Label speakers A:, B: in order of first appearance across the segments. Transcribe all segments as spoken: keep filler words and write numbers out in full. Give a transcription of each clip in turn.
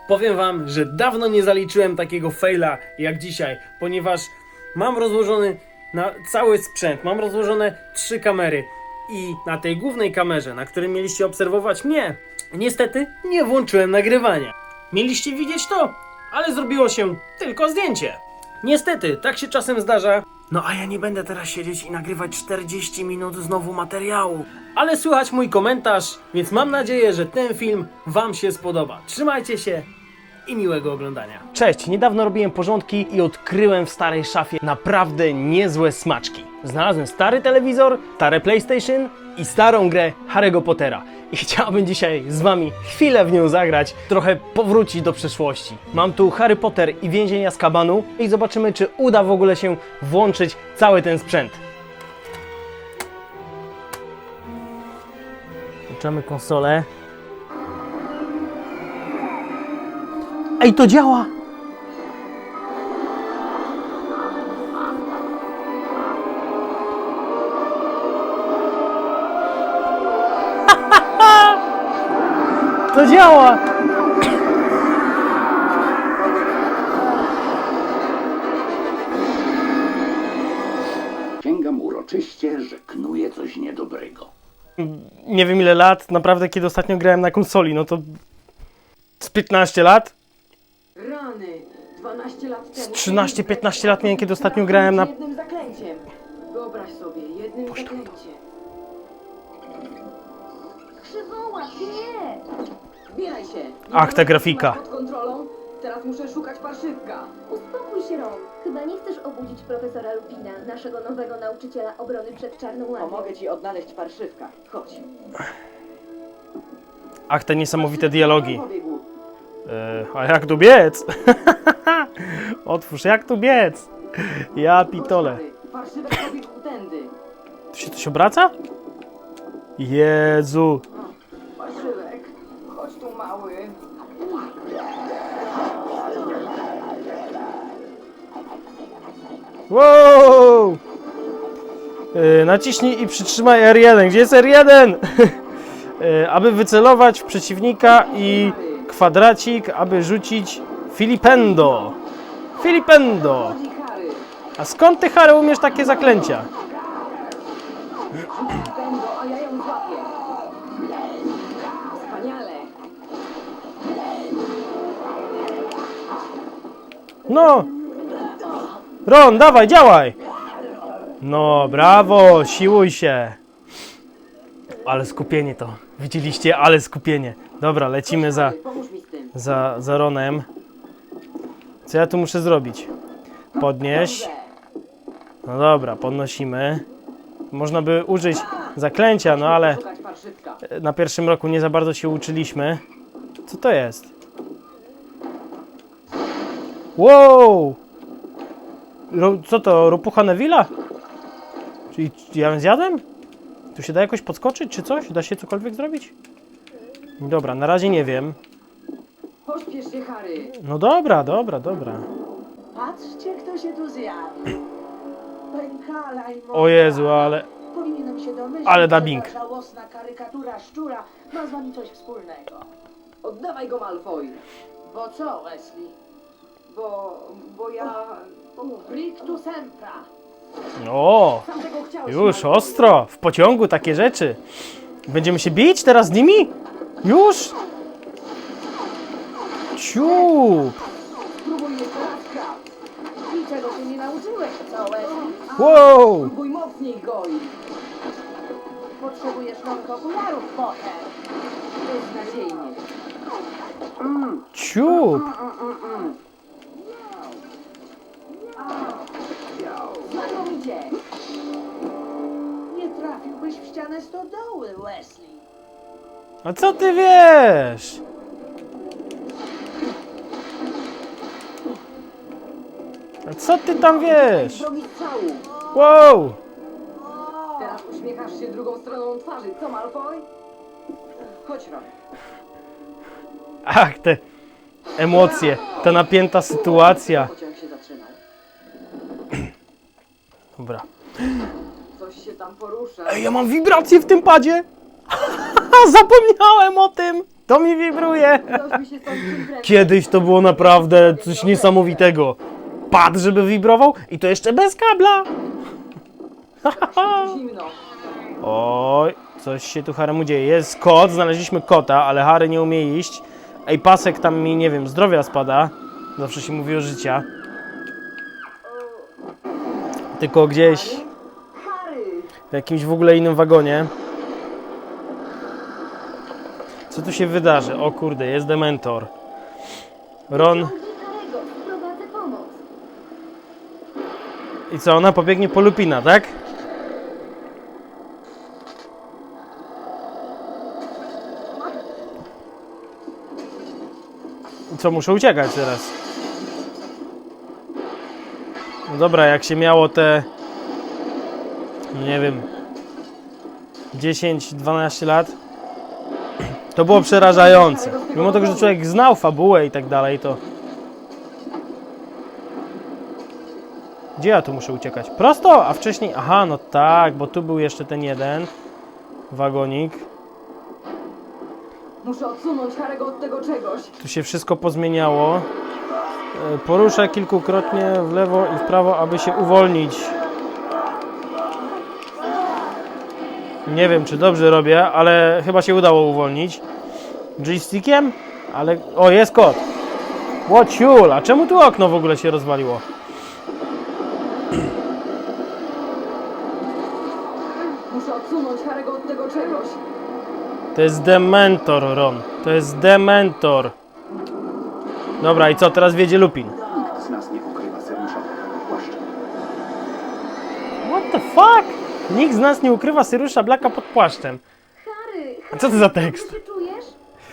A: Powiem wam, że dawno nie zaliczyłem takiego faila jak dzisiaj, ponieważ mam rozłożony na cały sprzęt, mam rozłożone trzy kamery i na tej głównej kamerze, na której mieliście obserwować mnie, niestety nie włączyłem nagrywania. Mieliście widzieć to, ale zrobiło się tylko zdjęcie. Niestety, tak się czasem zdarza. No a ja nie będę teraz siedzieć i nagrywać czterdzieści minut znowu materiału. Ale słychać mój komentarz, więc mam nadzieję, że ten film wam się spodoba. Trzymajcie się i miłego oglądania. Cześć, niedawno robiłem porządki i odkryłem w starej szafie naprawdę niezłe smaczki. Znalazłem stary telewizor, stare PlayStation i starą grę Harry'ego Pottera. I chciałbym dzisiaj z wami chwilę w nią zagrać, trochę powrócić do przeszłości. Mam tu Harry Potter i Więzień Azkabanu i zobaczymy, czy uda w ogóle się włączyć cały ten sprzęt. Włączamy konsolę. Ej, to działa! To działa!
B: Sięgam uroczyście, że knuje coś niedobrego.
A: Nie wiem ile lat, naprawdę kiedy ostatnio grałem na konsoli, no to z piętnaście lat?
C: Rany! dwanaście lat temu.
A: trzynaście piętnaście lat miałem, kiedy ostatnio grałem na...
C: Jednym zaklęciem. Wyobraź sobie, jednym zaklęciem.
D: Przywołać, nie!
C: Zbieraj się!
A: Ach, ta grafika.
C: Pod kontrolą. Teraz muszę szukać parszywka.
D: Uspokój się, Ron. Chyba nie chcesz obudzić profesora Lupina, naszego nowego nauczyciela obrony przed czarną magią.
C: Pomogę ci odnaleźć parszywka. Chodź.
A: Ach, te niesamowite dialogi.
C: Pobiegł.
A: E, a jak tu biec? Otwórz, jak tu biec? Ja pitole.
C: Chodź, Harry. Parszywek pobiegł tędy.
A: Tu się coś obraca? Jezu.
C: Parszywek. Chodź tu, mały.
A: Wow! E, naciśnij i przytrzymaj R jeden. Gdzie jest R jeden? e, aby wycelować w przeciwnika i kwadracik, aby rzucić Filipendo. Filipendo.
C: Chodź, Harry.
A: A skąd ty, Harry, umiesz takie zaklęcia?
C: Pędo, a ja ją złapię. Wspaniale.
A: No! Ron, dawaj, działaj! No, brawo, siłuj się! Ale skupienie to. Widzieliście? Ale skupienie. Dobra, lecimy za,
C: Harry, pomóż mi z tym.
A: za, za Ronem. Co ja tu muszę zrobić? Podnieść. No dobra, podnosimy. Można by użyć zaklęcia, no ale
C: Szukać parszywka.
A: na pierwszym roku nie za bardzo się uczyliśmy. Co to jest? Wow! Ro, co to? Ropucha Neville'a? Czyli ja ją zjadłem? Tu się da jakoś podskoczyć, czy coś? Da się cokolwiek zrobić? Dobra, na razie nie wiem.
C: Pośpiesz się, Harry.
A: No dobra, dobra, dobra.
E: Patrzcie, kto się tu zjawił. Pękala i
A: O Jezu, ale...
E: Powinienem się domyślić,
A: ale
E: że
A: dubbing.
E: ta żałosna karykatura szczura ma z wami coś wspólnego.
C: Oddawaj go, Malfoy.
E: Bo co, Wesley?
C: Bo... bo ja...
E: Rictu sempra.
A: O!
C: Sam tego chciałeś,
A: Już,
C: Malfoy.
A: ostro! W pociągu takie rzeczy. Będziemy się bić teraz z nimi? Już? Ciup!
C: Spróbuj jeszcze raz, Krab.
E: I czego się nie nauczyłeś, co, Wesley?
A: Wow!
C: Spróbuj mocniej, Goj.
E: Potrzebujesz nowych okularów, Potter.
C: Beznadziejnie.
A: Ciup!
C: Znakomicie.
E: Nie trafiłbyś w ścianę stodoły, Wesley.
A: A co ty wiesz? A co ty tam wiesz?
C: Drogi strzału.
A: Wow!
C: Teraz uśmiechasz się drugą stroną twarzy. Co, Malfoy? Chodź, Ron.
A: Ach, te emocje, ta napięta sytuacja.
C: Pociąg się zatrzymał.
A: Dobra.
C: Coś się tam porusza.
A: Ej, ja mam wibrację w tym padzie! Zapomniałem o tym! To mi wibruje!
C: Coś mi się stąd przykręca.
A: Kiedyś to było naprawdę coś niesamowitego. Pad, żeby wibrował i to jeszcze bez kabla.
C: Zimno.
A: Oj, coś się tu Haremu dzieje. Jest kot, znaleźliśmy kota, ale Harry nie umie iść. Ej, pasek tam mi, nie wiem, zdrowia spada. Zawsze się mówi o życia. Tylko gdzieś
C: Harry!
A: w jakimś w ogóle innym wagonie. Co tu się wydarzy? O kurde, jest Dementor. Ron.
D: Ciągnij Harego, sprowadzę pomoc.
A: I co, ona pobiegnie po Lupina, tak? I co, muszę uciekać teraz? No dobra, jak się miało te... nie wiem... dziesięć dwanaście lat, to było przerażające. Mimo tego, że człowiek znał fabułę i tak dalej, to... Gdzie ja tu muszę uciekać? Prosto, a wcześniej... Aha, no tak, bo tu był jeszcze ten jeden wagonik.
C: Muszę odsunąć Harego od tego czegoś.
A: Tu się wszystko pozmieniało. E, Poruszę kilkukrotnie w lewo i w prawo, aby się uwolnić. Nie wiem, czy dobrze robię, ale chyba się udało uwolnić. Joystickiem? Ale... O, jest kot! Łociul! A czemu tu okno w ogóle się rozwaliło?
C: Muszę odsunąć Harego od tego czegoś.
A: To jest Dementor, Ron. To jest Dementor. Dobra, i co? Teraz wiedzie Lupin.
B: Nikt z nas nie ukrywa Syriusza pod płaszczem.
A: What the fuck? Nikt z nas nie ukrywa Syriusza Blacka pod płaszczem.
D: Harry,
A: A co to za tekst?
D: dobrze się czujesz?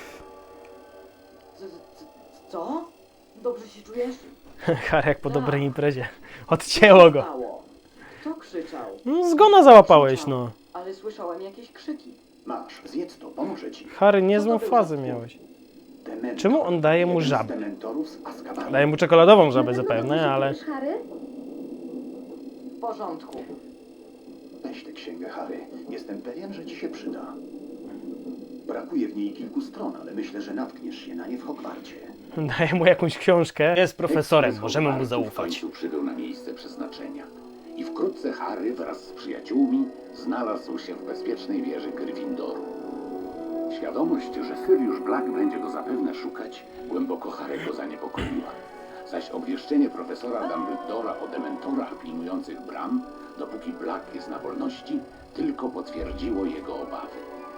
C: C- c- Co? Dobrze się czujesz?
A: Harry jak po dobrej imprezie. Odcięło go.
C: Stało. Kto krzyczał?
A: No, zgona załapałeś, no.
C: Ale słyszałem jakieś krzyki.
B: Masz, zjedz to, pomoże ci.
A: Harry, niezłą
C: Co to był
A: fazę
C: za
A: miałeś.
B: Dementor,
A: Czemu on daje mu
B: jeden z
A: żabę?
B: Dementorów z Azkabanu.
A: Daję mu czekoladową żabę
D: Na pewno dobrze
A: zapewne,
D: się
A: ale...
D: czujesz, Harry?
C: W porządku.
B: Weź tę księgę, Harry. Jestem pewien, że ci się przyda. Brakuje w niej kilku stron, ale myślę, że natkniesz się na nie w Hogwarcie.
A: Daję mu jakąś książkę. Jest profesorem,
B: Tekst z
A: możemy mu
B: Hogwartu W
A: zaufać.
B: końcu przybył na miejsce przeznaczenia. I wkrótce Harry wraz z przyjaciółmi znalazł się w bezpiecznej wieży Gryffindoru. Świadomość, że Sirius Black będzie go zapewne szukać, głęboko Harry'ego zaniepokoiła. Zaś obwieszczenie profesora Dumbledora o dementorach pilnujących bram, dopóki Black jest na wolności, tylko potwierdziło jego obawy.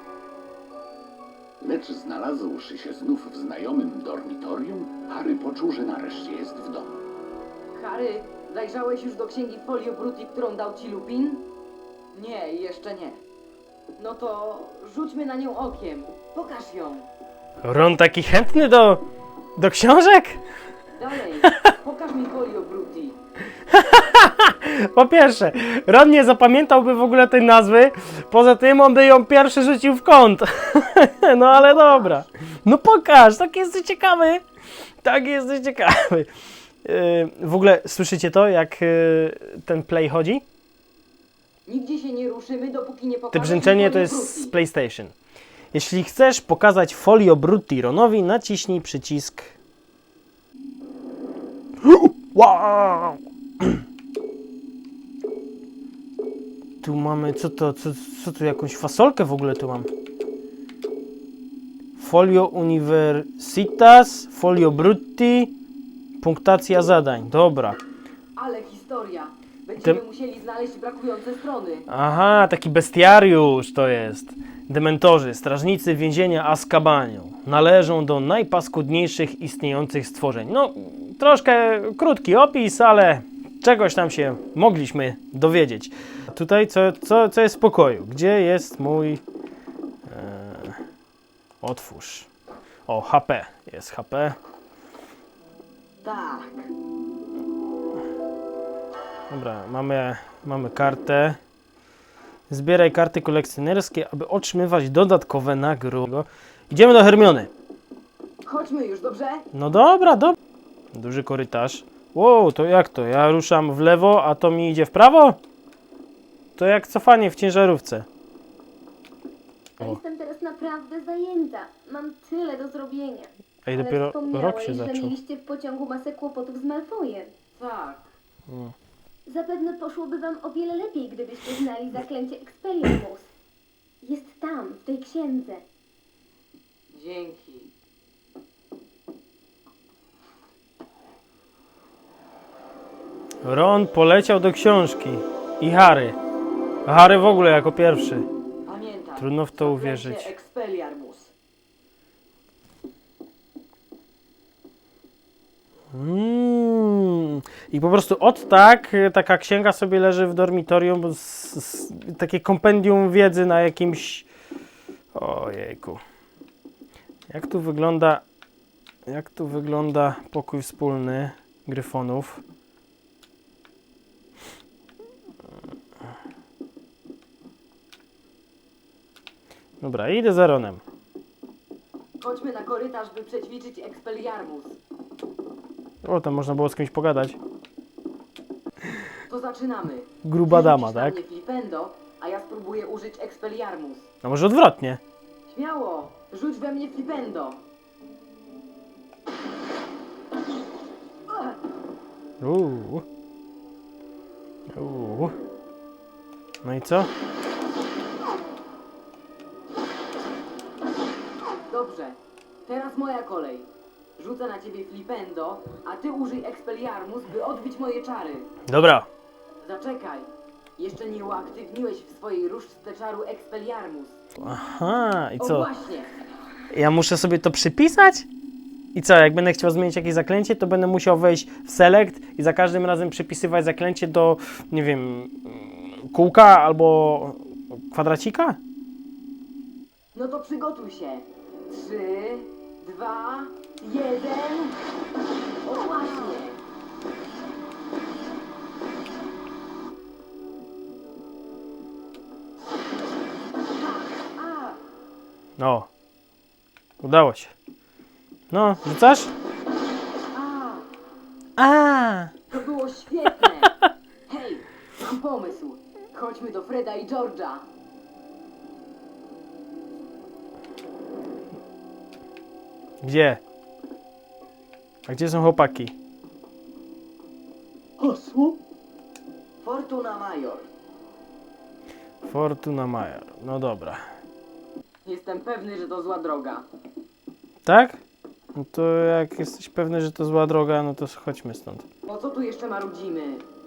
B: Lecz znalazłszy się znów w znajomym dormitorium, Harry poczuł, że nareszcie jest w domu.
C: Harry, zajrzałeś już do księgi Folio Bruti, którą dał ci Lupin? Nie, jeszcze nie. No to rzućmy na nią okiem. Pokaż ją.
A: Ron taki chętny do... do książek?
C: Dalej, pokaż mi Folio Bruti.
A: Po pierwsze, Ron nie zapamiętałby w ogóle tej nazwy. Poza tym on by ją pierwszy rzucił w kąt. No ale dobra. No pokaż, tak jesteś ciekawy. Tak jesteś ciekawy. Yy, w ogóle słyszycie to, jak yy, ten play chodzi?
C: Nigdzie się nie ruszymy, dopóki nie
A: Te
C: pokażesz
A: brzęczenie
C: mi
A: to
C: Folio
A: jest z
C: Bruti.
A: PlayStation. Jeśli chcesz pokazać Folio Brutti Ronowi, naciśnij przycisk. Wow! Tu mamy, co to, co, co tu, jakąś fasolkę w ogóle tu mam. Folio Universitas, Folio Brutti, punktacja zadań, dobra.
C: Ale historia. Będziemy
A: Tym-
C: musieli znaleźć brakujące strony.
A: Aha, taki bestiariusz to jest. Dementorzy, strażnicy więzienia Azkabanu, należą do najpaskudniejszych istniejących stworzeń. No, troszkę krótki opis, ale czegoś tam się mogliśmy dowiedzieć. Tutaj co, co, co jest w pokoju? Gdzie jest mój... E, otwórz. O, H P. Jest H P.
C: Tak.
A: Dobra, mamy, mamy kartę. Zbieraj karty kolekcjonerskie, aby otrzymywać dodatkowe nagrody. Idziemy do Hermiony.
C: Chodźmy już, dobrze?
A: No dobra, dobra. Duży korytarz. Wow, to jak to? Ja ruszam w lewo, a to mi idzie w prawo? To jak cofanie w ciężarówce.
D: Ja jestem teraz naprawdę naprawdę zajęta. Mam tyle do zrobienia.
F: Ej,
D: Ale
F: dopiero
D: wspomniałeś,
F: rok się
D: że
F: zaczął.
D: mieliście w pociągu masę kłopotów z Malfoyem.
C: Tak.
D: Zapewne poszłoby wam o wiele lepiej, gdybyście znali zaklęcie Expelliarmus. Jest tam, w tej księdze.
C: Dzięki.
A: Ron poleciał do książki. I Harry. A Harry w ogóle jako pierwszy.
C: Pamiętaj.
A: Trudno w to
C: zaklęcie
A: uwierzyć.
C: Expelliarmus.
A: Mm. I po prostu od tak y, taka księga sobie leży w dormitorium, bo z, z, takie kompendium wiedzy na jakimś... Ojejku. Jak tu wygląda... Jak tu wygląda pokój wspólny Gryfonów? Dobra, idę za Ronem.
C: Chodźmy na korytarz, by przećwiczyć Expelliarmus.
A: O, tam można było z kimś pogadać.
C: To zaczynamy.
A: Gruba dama,
C: Rzucisz na
A: tak?
C: mnie flipendo, a ja spróbuję użyć Expelliarmus.
A: A może odwrotnie?
C: Śmiało, rzuć we mnie flipendo.
A: Uuu. Uuu. No i co?
C: Dobrze, teraz moja kolej. Rzucę na ciebie flipendo, a ty użyj Expelliarmus, by odbić moje czary.
A: Dobra.
C: Zaczekaj. Jeszcze nie uaktywniłeś w swojej różdżce czaru Expelliarmus.
A: Aha, i
C: O
A: co?
C: właśnie.
A: Ja muszę sobie to przypisać? I co, jak będę chciał zmienić jakieś zaklęcie, to będę musiał wejść w select i za każdym razem przypisywać zaklęcie do, nie wiem, kółka albo kwadracika?
C: No to przygotuj się. Trzy, dwa, jeden. O właśnie. A,
A: No. Udało się. No, rzucasz?
C: a,
A: A.
C: to było świetne. Hej, mam pomysł. Chodźmy do Freda i George'a.
A: Gdzie? A gdzie są chłopaki?
E: Hasło?
C: Fortuna Major.
A: Fortuna Major. No dobra.
C: Jestem pewny, że to zła droga.
A: Tak? No to jak jesteś pewny, że to zła droga, no to chodźmy stąd.
C: Po co tu jeszcze marudzimy?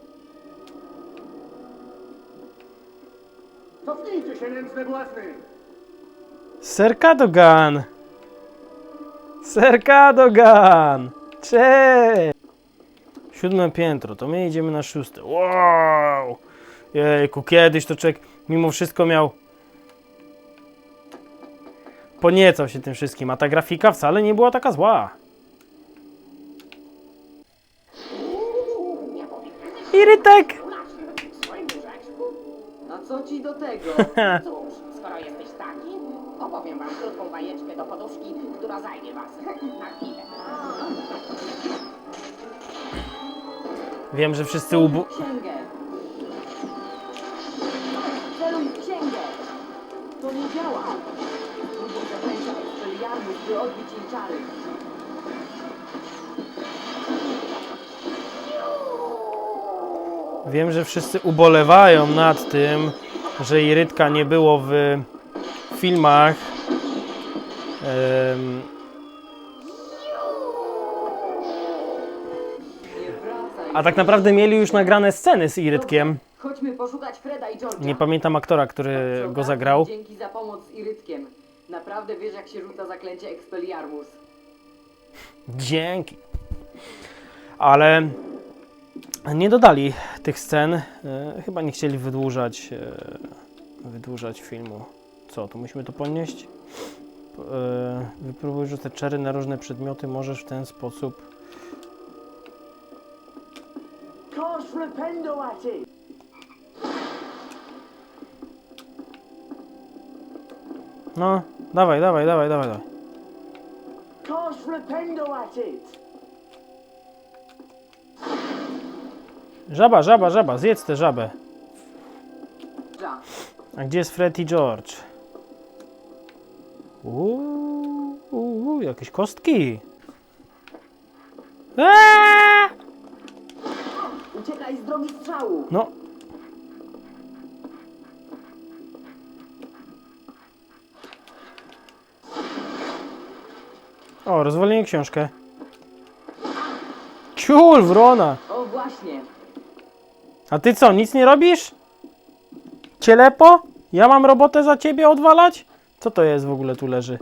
G: Cofnijcie się, nędzne błazny!
A: Sir Cadogan! Sir Cadogan! Cześć! Siódme piętro, to my idziemy na szóste. Wow! Jejku, kiedyś to człowiek mimo wszystko miał... Poniecał się tym wszystkim, a ta grafika wcale nie była taka zła. Irytek!
C: A co ci do tego?
H: Cóż, skoro jesteś taki, opowiem wam krótką bajeczkę do poduszki, która zajmie was na chwilę.
A: Wiem, że wszyscy ubu...
C: Księgę. Celuj w księgę. To nie działa. Próbuj zaklęcia Expelliarmus, by odbić jej czary.
A: Wiem, że wszyscy ubolewają nad tym, że Irytka nie było w filmach. Em,
C: Nie wracaj.
A: a tak naprawdę mieli już nagrane sceny z Irytkiem.
C: Chodźmy poszukać Freda i George'a.
A: Nie pamiętam aktora, który
C: Przy
A: go
C: okazji,
A: zagrał.
C: Dzięki za pomoc z Irytkiem. Naprawdę wiesz, jak się rzuca zaklęcie Expelliarmus.
A: Dzięki. Ale nie dodali tych scen. E, chyba nie chcieli wydłużać, e, wydłużać filmu. Co, to musimy to podnieść? E, wypróbuj rzucać czary na różne przedmioty. Możesz w ten sposób...
E: Cast flipendo at it!
A: No, dawaj, dawaj, dawaj, dawaj, dawaj.
E: Cast flipendo at it!
A: Żaba, żaba, żaba, zjedz tę żabę.
C: Ja.
A: A gdzie jest Fred i George? Uuu, uuu, jakieś kostki. Eee!
C: Uciekaj z drogi strzału!
A: No. O, rozwaliłem książkę. Ciul, wrona.
C: O właśnie!
A: A ty co, nic nie robisz? Cielepo? Ja mam robotę za ciebie odwalać? Co to jest w ogóle tu leży?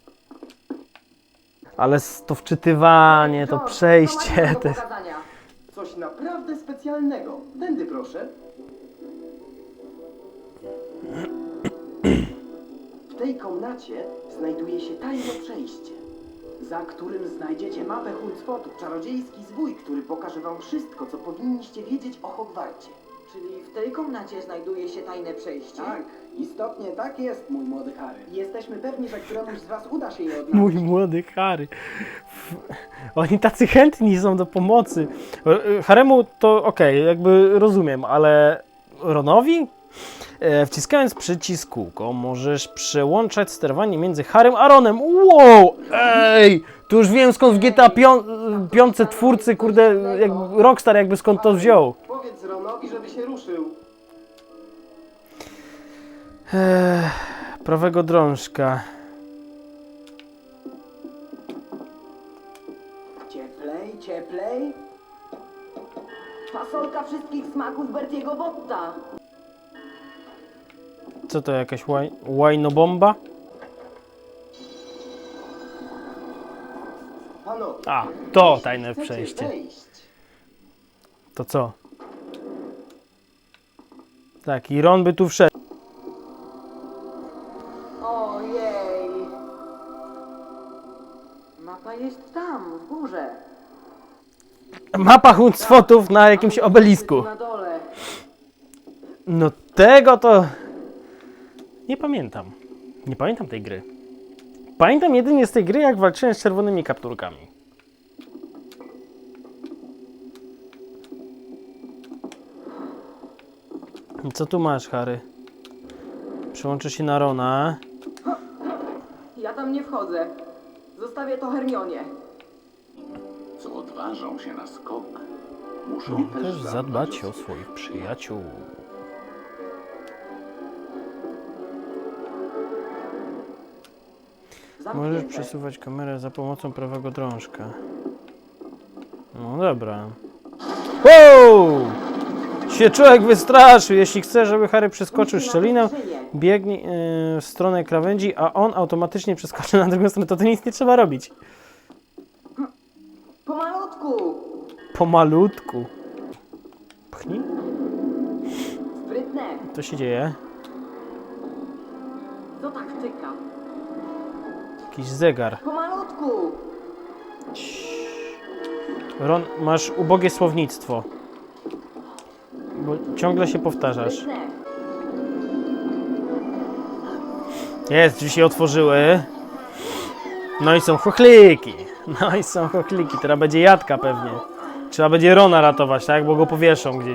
A: Ale s- to wczytywanie, to
C: George, co
A: przejście.
C: masz do
A: Te...
C: pokazania?
G: Coś naprawdę specjalnego. Tędy proszę. W tej komnacie znajduje się tajne przejście, za którym znajdziecie mapę Huncwotu, czarodziejski zwój, który pokaże wam wszystko, co powinniście wiedzieć o Hogwarcie.
C: Czyli w tej komnacie znajduje się tajne przejście?
G: Tak, istotnie tak jest, mój młody Harry. Jesteśmy pewni, że któremuś z was uda się je odnaleźć.
A: Mój młody Harry. F- Oni tacy chętni są do pomocy. E, Haremu to okej, jakby rozumiem, ale Ronowi? E, wciskając przycisk kółko możesz przełączać sterowanie między Harrym a Ronem. Wow! Ej! Tu już wiem skąd w G T A pięć twórcy, kurde, jak Rockstar jakby skąd to wziął.
G: Powiedz Ronowi, żeby się ruszył.
A: Eee, prawego drążka.
G: Cieplej, cieplej.
C: Fasolka wszystkich smaków Bertiego Botta!
A: Co to, jakaś łaj, łajnobomba?
G: Panowie,
A: A, to
G: jeśli
A: tajne
G: chcecie
A: przejście.
G: wejść,
A: To co? Tak, i Ron by tu wszedł.
C: Ojej! Mapa jest tam, w górze.
A: Mapa Huncwotów na jakimś obelisku.
C: Na dole.
A: No tego to... Nie pamiętam. Nie pamiętam tej gry. Pamiętam jedynie z tej gry, jak walczyłem z czerwonymi kapturkami. Co tu masz, Harry? Przyłączę się na Rona.
C: Ja tam nie wchodzę. Zostawię to Hermionie.
B: Co odważą się na skok, muszą też
A: Też zadbać o
B: swoich
A: swoich przyjaciół. Możesz
C: Zamknięte.
A: przesuwać kamerę za pomocą prawego drążka. No dobra. Wow! Się człowiek wystraszył. Jeśli chce, żeby Harry przeskoczył szczelinę, biegnie yy, w stronę krawędzi, a on automatycznie przeskoczy na drugą stronę, to to nic nie trzeba robić.
C: Pomalutku!
A: Pomalutku. Pchnij.
C: Sprytne!
A: Co się dzieje?
C: To taktyka.
A: Jakiś zegar.
C: Pomalutku!
A: Ron, masz ubogie słownictwo. Bo ciągle się powtarzasz.
C: Sprytne!
A: Jest, drzwi się otworzyły. No i są chochliki. No i są chochliki. Teraz będzie jadka pewnie. Trzeba będzie Rona ratować, tak? Bo go powieszą gdzieś.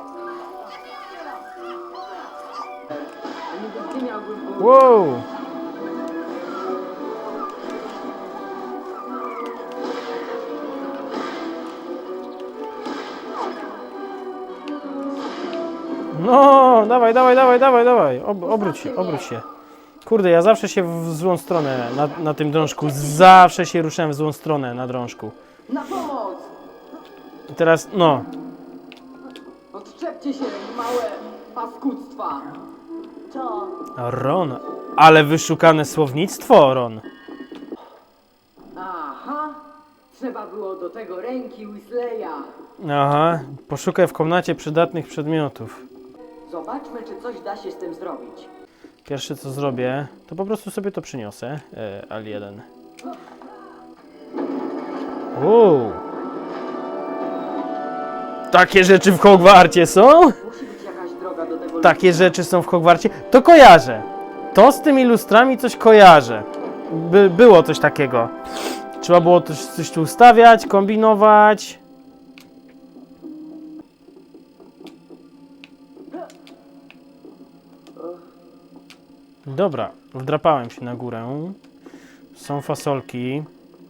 C: Niby ty miałbyś go...
A: Wow! No, dawaj, dawaj, dawaj, dawaj, dawaj. Ob, obróć się, obróć się. Kurde, ja zawsze się w złą stronę na, na tym drążku. Zawsze się ruszałem w złą stronę na drążku.
C: Na pomoc!
A: I teraz, no.
C: Odczepcie się, małe paskudztwa!
E: To
A: Ron, ale wyszukane słownictwo, Ron.
C: Aha! Trzeba było do tego ręki Weasleya.
A: Aha, poszukaj w komnacie przydatnych przedmiotów.
C: Zobaczmy, czy coś da się z tym zrobić.
A: Pierwsze co zrobię, to po prostu sobie to przyniosę. E, Al jeden. Uuu. Takie rzeczy w Hogwarcie są?
C: Musi być jakaś droga do tego.
A: Takie rzeczy są w Hogwarcie? To kojarzę. To z tymi lustrami coś kojarzę. By, było coś takiego. Trzeba było coś, coś tu ustawiać, kombinować. Dobra, wdrapałem się na górę. Są fasolki.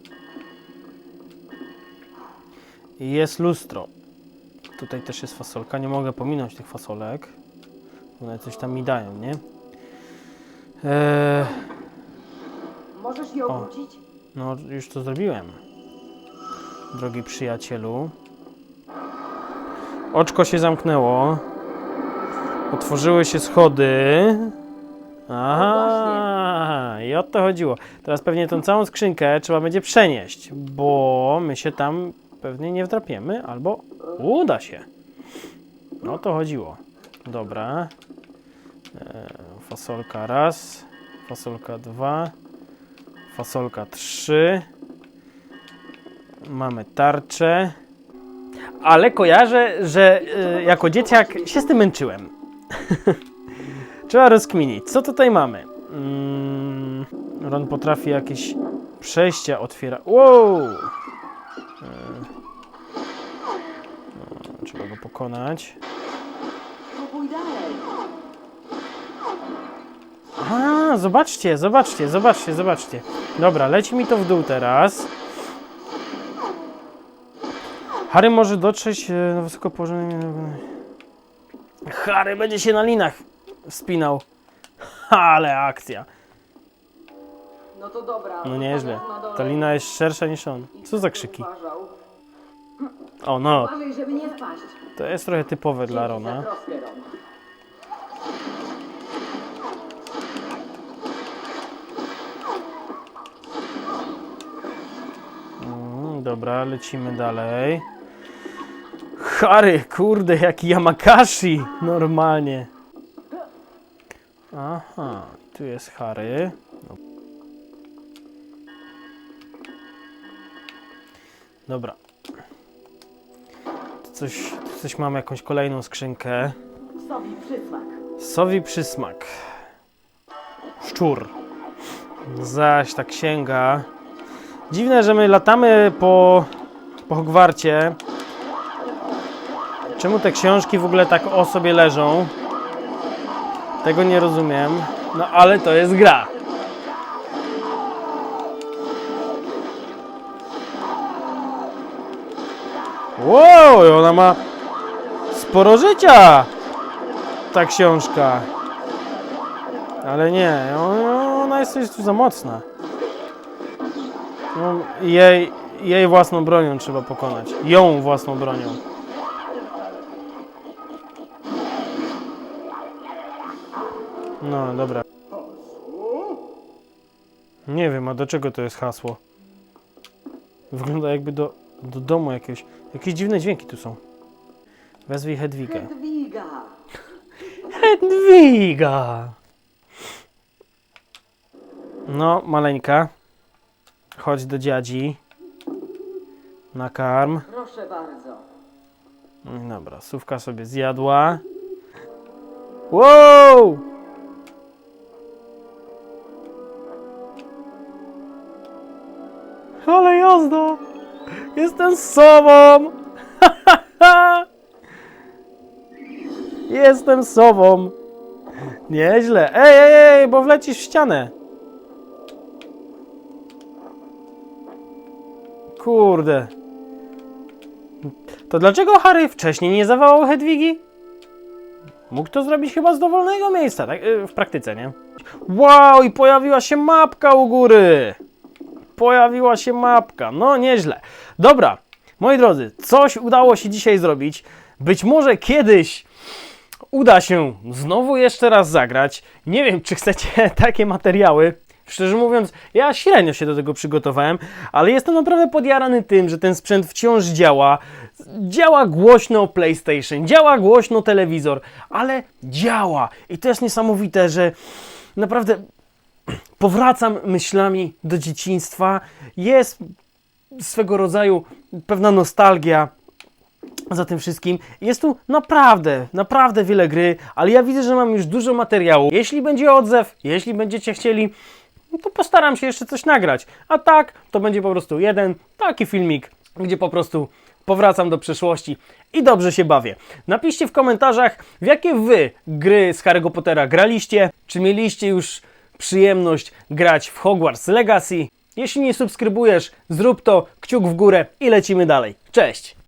A: I jest lustro. Tutaj też jest fasolka. Nie mogę pominąć tych fasolek. One coś tam mi dają, nie? Eee,
C: Możesz je
A: O.
C: obrócić?
A: no, już to zrobiłem. Drogi przyjacielu. Oczko się zamknęło. Otworzyły się schody. Aha, i o to chodziło. Teraz pewnie tą całą skrzynkę trzeba będzie przenieść, bo my się tam pewnie nie wdrapiemy, albo uda się. No o to chodziło. Dobra. E, fasolka raz, fasolka dwa, fasolka trzy. Mamy tarczę. Ale kojarzę, że e, jako dzieciak się z tym męczyłem. Trzeba rozkminić, co tutaj mamy. Mm, Ron potrafi jakieś przejścia otwiera. Wow! E, no, trzeba go pokonać.
E: Próbuj dalej.
A: A, zobaczcie, zobaczcie, zobaczcie, zobaczcie. Dobra, leci mi to w dół teraz. Harry może dotrzeć e, na wysoko położonym... Harry będzie się na linach wspinał. Ale akcja.
C: No to dobra.
A: No nieźle.
C: Na dole.
A: Ta lina jest szersza niż on. Co za krzyki?
C: Uważał.
A: O no,
C: Uważaj, żeby nie spaść.
A: to jest trochę typowe dla
C: Dzięki za
A: Rona.
C: troskę, Ron.
A: Mm, dobra, lecimy dalej. Harry, kurde, jaki Yamakashi. Normalnie. Aha, tu jest Harry. No. Dobra. Tu coś, tu coś mam, jakąś kolejną skrzynkę.
E: Sowi przysmak.
A: Sowi przysmak. Szczur. Zaś ta księga. Dziwne, że my latamy po, po Hogwarcie. Czemu te książki w ogóle tak o sobie leżą? Tego nie rozumiem. No ale to jest gra. Wow, ona ma sporo życia. Ta książka. Ale nie, ona jest coś tu za mocna. No, jej, jej własną bronią trzeba pokonać. Ją własną bronią. No, dobra. Nie wiem, a do czego to jest hasło? Wygląda jakby do, do domu jakiegoś. Jakieś dziwne dźwięki tu są. Wezwij Hedwigę.
E: Hedwiga.
A: Hedwiga! No, maleńka. Chodź do dziadzi. Nakarm.
C: Proszę bardzo.
A: No i dobra, Sówka sobie zjadła. Wow! Ale jazda! Jestem sobą! Jestem sobą! Nieźle. Ej, ej, ej, bo wlecisz w ścianę. Kurde. To dlaczego Harry wcześniej nie zawołał Hedwigi? Mógł to zrobić chyba z dowolnego miejsca, tak? W praktyce, nie? Wow, i pojawiła się mapka u góry. Pojawiła się mapka. No, nieźle. Dobra, moi drodzy, coś udało się dzisiaj zrobić. Być może kiedyś uda się znowu jeszcze raz zagrać. Nie wiem, czy chcecie takie materiały. Szczerze mówiąc, ja średnio się do tego przygotowałem, ale jestem naprawdę podjarany tym, że ten sprzęt wciąż działa. Działa głośno PlayStation, działa głośno telewizor, ale działa. I to jest niesamowite, że naprawdę powracam myślami do dzieciństwa. Jest swego rodzaju pewna nostalgia za tym wszystkim. Jest tu naprawdę, naprawdę wiele gry, ale ja widzę, że mam już dużo materiału. Jeśli będzie odzew, jeśli będziecie chcieli, no to postaram się jeszcze coś nagrać. A tak, to będzie po prostu jeden taki filmik, gdzie po prostu powracam do przeszłości i dobrze się bawię. Napiszcie w komentarzach, w jakie wy gry z Harry'ego Pottera graliście, czy mieliście już przyjemność grać w Hogwarts Legacy. Jeśli nie subskrybujesz, zrób to, kciuk w górę i lecimy dalej. Cześć!